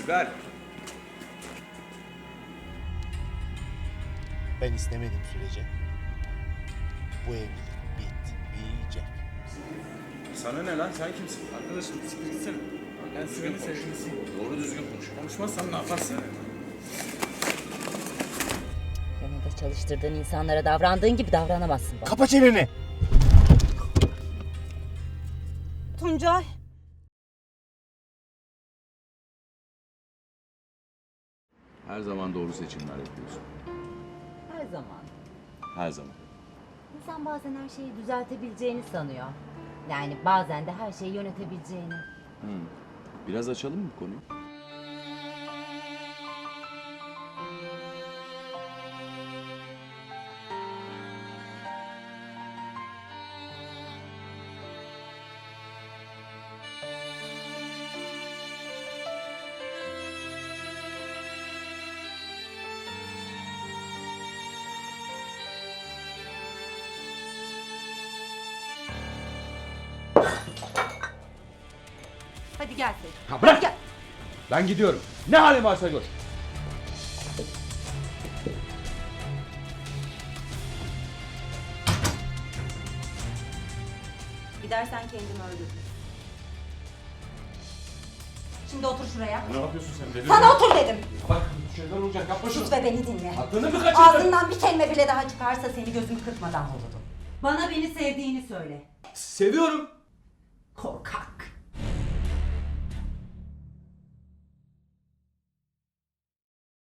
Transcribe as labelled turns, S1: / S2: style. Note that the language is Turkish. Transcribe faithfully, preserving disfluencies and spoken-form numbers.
S1: Sibel.
S2: Ben istemediğim sürece bu evlilik bitmeyecek.
S1: Sana ne lan? Sen kimsin?
S3: Arkadaşım siktir gitsene. Ben Sibel'in sevgilisiyim.
S1: Doğru düzgün konuş.
S3: Konuşmazsan ne yaparsın?
S4: Yanında çalıştırdığın insanlara davrandığın gibi davranamazsın bana.
S2: Kapa çeneni!
S4: Tuncay.
S1: Her zaman doğru seçimler yapıyorsun.
S4: Her zaman.
S1: Her zaman.
S4: İnsan bazen her şeyi düzeltebileceğini sanıyor. Yani bazen de her şeyi yönetebileceğini.
S1: Hmm. Biraz açalım mı konuyu?
S4: Hadi gel Seyit.
S5: Ha bırak!
S4: Gel.
S5: Ben gidiyorum. Ne halin varsa gör.
S4: Gidersen kendimi öldürürüm. Şimdi otur şuraya.
S5: Ne yapıyorsun sen? Deli
S4: Sana otur dedim.
S5: Bak şeyler olacak. Yapma şunu.
S4: Sus ve beni dinle.
S5: Aklını mı kaçırdın?
S4: Ağzından bir kelime bile daha çıkarsa seni gözümü kırpmadan vururum. Bana beni sevdiğini söyle.
S5: Seviyorum.
S4: Korkak.